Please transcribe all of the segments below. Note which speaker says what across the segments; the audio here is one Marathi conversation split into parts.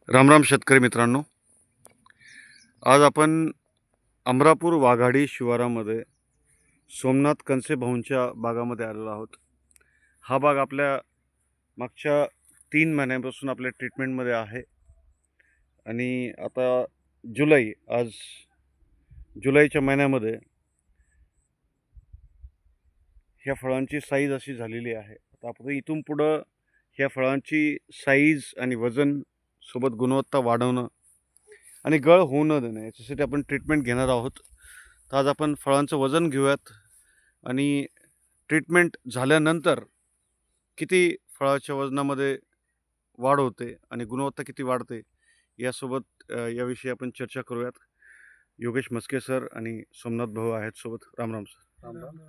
Speaker 1: रामराम शेतकरी मित्रांनो, आज आपण अमरापूर वाघाडी शिवारामध्ये सोमनाथ कनसे भाऊंच्या बागामध्ये आलेलो आहोत. हा बाग आपल्या मागच्या 3 महिन्यांपासून आपल्या ट्रीटमेंटमध्ये आहे आणि आता आज जुलैच्या महिन्यामध्ये ह्या फळांची साईज अशी झालेली आहे. आता आपण इथून पुढं ह्या फळांची साईज आणि वजन सोबत गुणवत्ता वाढवणं आणि गळ होऊ न देणं याच्यासाठी आपण ट्रीटमेंट घेणार आहोत. तर आज आपण फळांचं वजन घेऊयात आणि ट्रीटमेंट झाल्यानंतर किती फळाच्या वजनामध्ये वाढ होते आणि गुणवत्ता किती वाढते यासोबत याविषयी आपण चर्चा करूयात. योगेश मस्के सर आणि सोमनाथ भाऊ आहेत सोबत. रामराम सर.
Speaker 2: राम राम.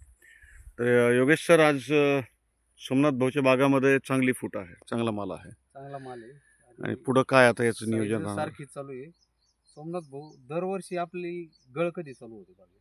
Speaker 1: तर योगेश सर, आज सोमनाथ भाऊच्या बागामध्ये चांगली फूट आहे, चांगला माल आहे
Speaker 2: चांगला माल आहे
Speaker 1: आणि पुढं काय आता याचं नियोजन
Speaker 2: साईज
Speaker 1: राहणार?
Speaker 2: सारखी चालू आहे. सोमनाथ भाऊ, दरवर्षी आपली गळ कधी चालू होते बागेत?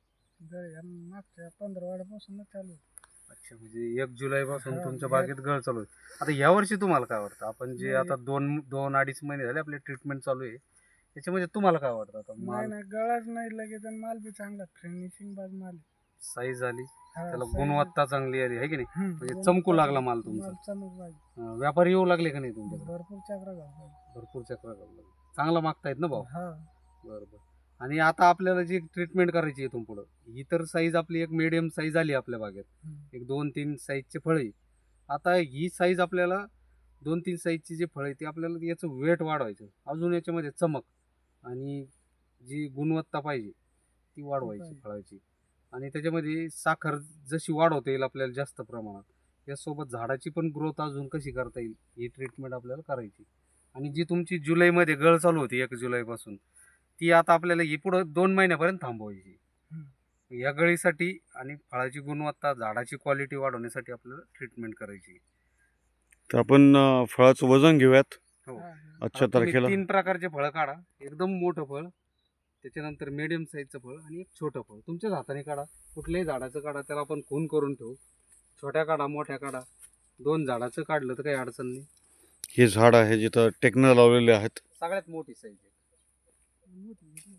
Speaker 3: मागच्या 15 वाड्यापासून चालू आहे.
Speaker 2: अच्छा, म्हणजे 1 जुलै पासून
Speaker 3: हा,
Speaker 2: तुमच्या
Speaker 3: या-
Speaker 2: बागेत गळ चालू आहे. आता या वर्षी तुम्हाला काय वाटतं? आपण जे आता दोन अडीच महिने झाले आपले ट्रीटमेंट चालू आहे, त्याच्यामध्ये तुम्हाला काय वाटतं? आता
Speaker 3: नाही
Speaker 2: माल
Speaker 3: नाही, गळाच नाही लगेच आणि माल बी चांगला फिनिशिंग बाज माल आहे.
Speaker 2: साईज आली,
Speaker 3: हा,
Speaker 2: त्याला
Speaker 3: size-
Speaker 2: गुणवत्ता चांगली आली आहे की नाही?
Speaker 3: म्हणजे
Speaker 2: चमकू लागला माल तुमचा.
Speaker 3: चमक पाहिजे.
Speaker 2: व्यापारी येऊ लागले का नाही तुमच्याकडे?
Speaker 3: भरपूर चक्र घालतो.
Speaker 2: भरपूर चक्र लागले. चांगला मागतायत ना भाऊ?
Speaker 3: हा,
Speaker 2: बरोबर. आणि आता आपल्याला जी ट्रीटमेंट करायची आहे इथून पुढं, ही तर साईज आपली एक मीडियम साईज आली आपल्या बागेत, एक 2-3 साईजचे फळ आहे. आता ही साईज आपल्याला 2-3 साईजची जे फळ आहे ते आपल्याला याचं वेट वाढवायचं, अजून याच्यामध्ये चमक आणि जी गुणवत्ता पाहिजे ती वाढवायची
Speaker 3: पाहिजे.
Speaker 2: फळाची. आणि त्याच्यामध्ये साखर जशी वाढवता येईल आपल्याला जास्त प्रमाणात, यासोबत झाडाची पण ग्रोथ अजून कशी करता येईल ही ट्रीटमेंट आपल्याला करायची. आणि जी तुमची जुलैमध्ये गळ चालू होती 1 जुलैपासून, ती आता आपल्याला ही पुढं 2 महिन्यापर्यंत थांबवायची. या गळीसाठी आणि फळाची गुणवत्ता, झाडाची क्वालिटी वाढवण्यासाठी आपल्याला ट्रीटमेंट करायची.
Speaker 1: तर आपण फळाचं वजन घेऊयात
Speaker 2: हो.
Speaker 3: हा,
Speaker 1: आजच्या
Speaker 2: आता तुम्ही
Speaker 1: तारखेला.
Speaker 2: 3 प्रकारचे फळं काढा. एकदम मोठं फळ, त्याच्यानंतर मीडियम साईजचं फळ आणि एक छोटं फळ. तुमच्याच हाताने काढा, कुठल्याही झाडाचं काढा, त्याला आपण खून करून ठेवू. छोट्या काढा, मोठ्या काढा. 2 झाडाचं काढलं तर काही अडचण नाही.
Speaker 1: हे झाड आहे जिथं टेक्न लावलेले आहेत.
Speaker 2: सगळ्यात मोठी साईज आहे.
Speaker 3: मोठी.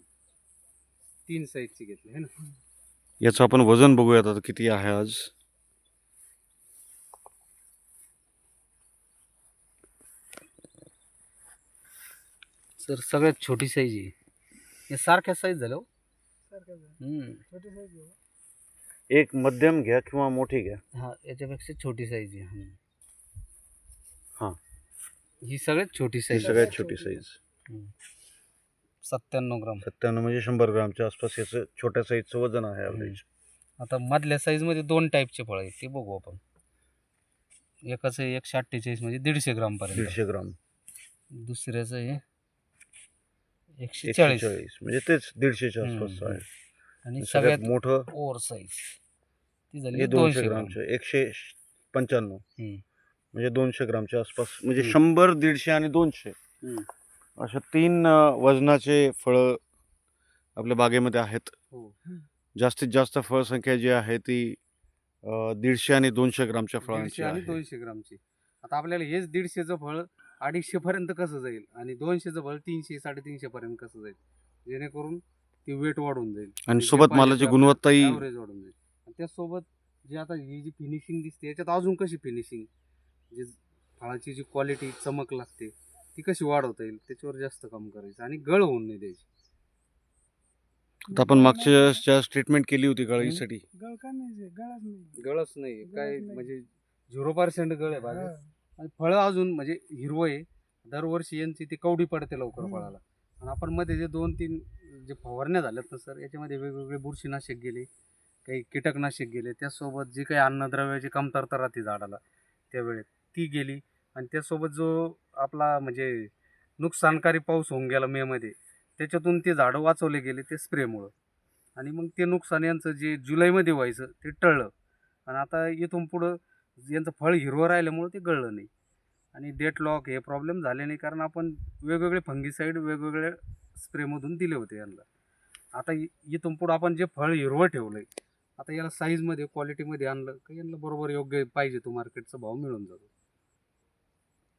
Speaker 2: 3 साईजची घेतली है ना?
Speaker 1: याचं आपण वजन बघूयात आता किती आहे आज.
Speaker 2: सर, सगळ्यात छोटी साईज आहे. हे सारख्या साईज झाल्या हो.
Speaker 3: सारखं झालं. छोटी size घेऊ.
Speaker 1: एक मध्यम घ्या किंवा मोठी घ्या.
Speaker 2: हा, याच्यापेक्षा छोटी साईज आहे.
Speaker 1: हा.
Speaker 2: ही सगळ्यात छोटी
Speaker 1: ही
Speaker 2: साईज.
Speaker 1: सगळ्यात छोटी साईज
Speaker 2: 97 ग्राम.
Speaker 1: 97 म्हणजे 100 ग्रामच्या आसपास याचं छोट्या साईजचं वजन आहे ॲव्हरेज.
Speaker 2: आता मधल्या साईजमध्ये 2 टाईपचे फळ आहेत, ते बघू आपण. एकाचं आहे 148 म्हणजे 150 ग्राम पर्यंत.
Speaker 1: 150 ग्राम.
Speaker 2: दुसऱ्याचं आहे 140
Speaker 1: 140 म्हणजे तेच 150च्या आसपास आहे.
Speaker 2: आणि
Speaker 1: सगळ्यात
Speaker 2: सगळ्यात
Speaker 1: मोठं
Speaker 2: ओव्हर साईज ती झाली
Speaker 1: हे
Speaker 2: 200
Speaker 1: 200
Speaker 2: ग्राम.
Speaker 1: ग्रामचे 195
Speaker 2: हम्म.
Speaker 1: म्हणजे 200 ग्रामच्या आसपास. म्हणजे
Speaker 2: हम्म.
Speaker 1: 100, 150 आणि 200
Speaker 2: हम्म.
Speaker 1: अशा 3 वजनाचे फळं आपल्या बागेमध्ये आहेत.
Speaker 2: हो.
Speaker 1: जास्तीत जास्त फळसंख्या जी आहे ती 150 आणि 200 ग्रामच्या
Speaker 2: 150
Speaker 1: फळांची
Speaker 2: आणि
Speaker 1: आहे.
Speaker 2: 200 ग्रामची. आता आपल्याला हेच 150चं फळ 250 पर्यंत कसं जाईल आणि 200चं फळ 300-350 पर्यंत कसं जाईल, जेणेकरून ती वेट वाढून जाईल
Speaker 1: आणि सोबत मालाची गुणवत्ताही
Speaker 2: ॲव्हरेज वाढून जाईल. आणि त्यासोबत जे आता ही जी फिनिशिंग दिसते याच्यात अजून कशी फिनिशिंग, जी फळाची जी क्वालिटी चमक लागते ती कशी वाढवता येईल त्याच्यावर जास्त काम करायचं आणि गळ होऊन नाही द्यायची.
Speaker 1: आता आपण मागच्या ट्रीटमेंट केली होती गळीसाठी.
Speaker 3: गळ का नाही, गळाच नाही.
Speaker 2: गळच नाही
Speaker 3: गळच
Speaker 2: काय,
Speaker 3: नाही.
Speaker 2: म्हणजे 0% गळ आहे बागेत.
Speaker 3: हा.
Speaker 2: आणि फळं अजून म्हणजे हिरवं आहे. दरवर्षी यांची ती कवडी पडते लवकर फळाला. आणि आपण मध्ये जे 2-3 जे फवारण्या झाल्यात ना सर, याच्यामध्ये वेगवेगळे बुरशीनाशक गेले, काही कीटकनाशक गेले, त्यासोबत जी काही अन्नद्रव्याची कमतरता राहते झाडाला त्यावेळेत ती गेली. आणि त्यासोबत जो आपला म्हणजे नुकसानकारी पाऊस होऊन गेला मेमध्ये, त्याच्यातून ते झाडं वाचवले गेले ते स्प्रेमुळं. आणि मग ते नुकसान यांचं जे जुलैमध्ये व्हायचं ते टळलं. आणि आता इथून पुढं यांचं फळ हिरवं राहिल्यामुळं ते गळलं नाही. आणि डेट लॉक हे प्रॉब्लेम झाले नाही, कारण आपण वेगवेगळे फंगीसाईड वेगवेगळे स्प्रेमधून दिले होते यांना. आता इथून पुढं आपण जे फळ हिरवं ठेवलं आहे, आता याला साईजमध्ये क्वालिटीमध्ये आणलं का यांना बरोबर योग्य पाहिजे तो मार्केटचा भाव मिळून जातो.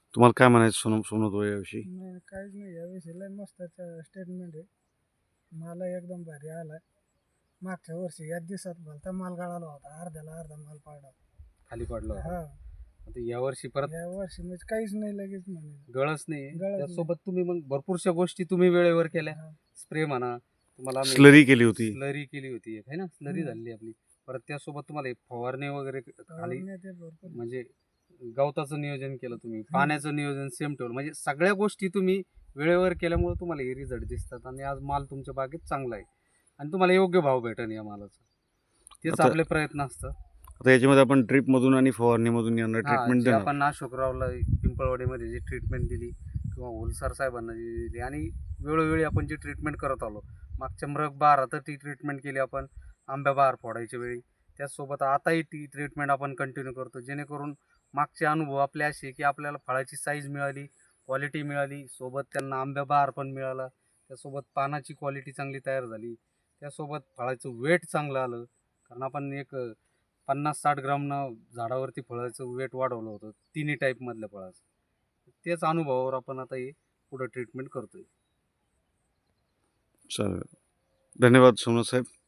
Speaker 1: तुम्हाला काय म्हणायचं सोनत याविषयी?
Speaker 3: नाही काहीच नाही याविषयी लय मस्त स्टेटमेंट आहे. मला एकदम भारी आलाय. मागच्या वर्षी याच दिवसात भलता माल गळाला होता, अर्ध्याला अर्धा माल पाडला.
Speaker 2: खाली पडलं होतं.
Speaker 3: हा
Speaker 2: आता यावर्षी परत
Speaker 3: या वर्षी म्हणजे काहीच नाही लगेच म्हणे.
Speaker 2: गळच नाही
Speaker 3: गळच नाही.
Speaker 2: त्यासोबत तुम्ही मग भरपूरशा गोष्टी तुम्ही वेळेवर केल्या.
Speaker 3: हा.
Speaker 2: स्प्रे म्हणा, तुम्हाला
Speaker 1: स्लरी केली होती.
Speaker 2: स्लरी केली होती एक, है ना, स्लरी झाली आपली. परत त्यासोबत तुम्हाला एक फवारणी वगैरे खाली,
Speaker 3: फवारणी ते भरपूर.
Speaker 2: म्हणजे गवताचं नियोजन केलं तुम्ही, पाण्याचं नियोजन सेम ठेवलं, म्हणजे सगळ्या गोष्टी तुम्ही वेळेवर केल्यामुळे तुम्हाला हे रिझल्ट दिसतात आणि आज माल तुमच्या बागेत चांगला आहे आणि तुम्हाला योग्य भाव भेटेल या मालाचा. तेच
Speaker 1: आता-
Speaker 2: आपले प्रयत्न असतात.
Speaker 1: आता याच्यामध्ये आपण ड्रीपमधून आणि फवारणीमधून यांना
Speaker 2: हा,
Speaker 1: ट्रीटमेंट
Speaker 2: जे
Speaker 1: देणार.
Speaker 2: आपण नाशोकरावला पिंपळवाडीमध्ये जी ट्रीटमेंट दिली किंवा होलसार साहेबांना जी दिली आणि वेळोवेळी आपण जी ट्रीटमेंट करत आलो. मागच्या मृग बहारात ती ट्रीटमेंट केली आपण आंब्या बहार फोडायच्या वेळी. त्याचसोबत आताही ती ट्रीटमेंट आपण कंटिन्यू करतो, जेणेकरून मागचे अनुभव आपले असे की आपल्याला फळाची साईज मिळाली, क्वालिटी मिळाली, सोबत त्यांना आंब्या बहार पण मिळाला, त्यासोबत पानाची क्वालिटी चांगली तयार झाली, त्यासोबत फळाचं वेट चांगलं आलं. कारण आपण एक 50-60 ग्रामनं झाडावरती फळाचं वेट वाढवलं होतं तिन्ही टाईपमधल्या फळाचं. तेच अनुभवावर आपण आता हे पुढं ट्रीटमेंट करतोय.
Speaker 1: चालेल. धन्यवाद सोनत साहेब.